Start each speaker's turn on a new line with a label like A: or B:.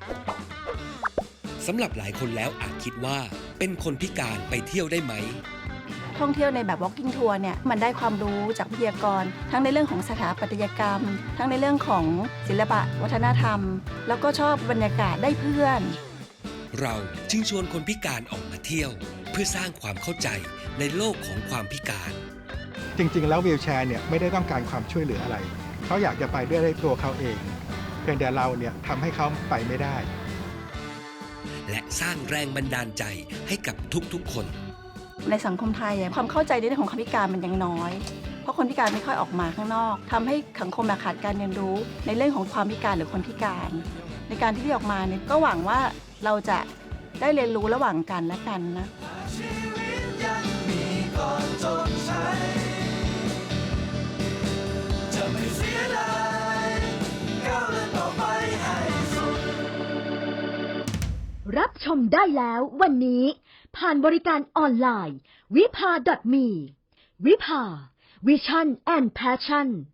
A: สำหรับหลายคนแล้วอาจคิดว่าเป็นคนพิการไปเที่ยวได้ไหม
B: ท่องเที่ยวในแบบ walking tour เนี่ยมันได้ความรู้จากวิทยากรทั้งในเรื่องของสถาปัตยกรรม ทั้งในเรื่องของศิลปะวัฒนธรรม แล้วก็ชอบบรรยากาศได้เพื่อน
A: เราจึงชวนคนพิการออกมาเที่ยว เพื่อสร้างความเข้าใจในโลกของความพิการ
C: จริงๆแล้ววีลแชร์เนี่ยไม่ได้ต้องการความช่วยเหลืออะไรเขาอยากจะไปด้วยตัวเขาเองเพียงแต่เราเนี่ยทำให้เขาไปไม่ได้
A: และสร้างแรงบันดาลใจให้กับทุกๆคน
B: ในสังคมไทยความเข้าใจในเรื่องของความพิการมันยังน้อยเพราะคนพิการไม่ค่อยออกมาข้างนอกทำให้สังคมขาดการเรียนรู้ในเรื่องของความพิการหรือคนพิการในการที่ออกมาเนี่ยก็หวังว่าเราจะได้เรียนรู้ระหว่างกันและกันนะ
D: รับชมได้แล้ววันนี้ผ่านบริการออนไลน์วิภา .me วิภา Vision and Passion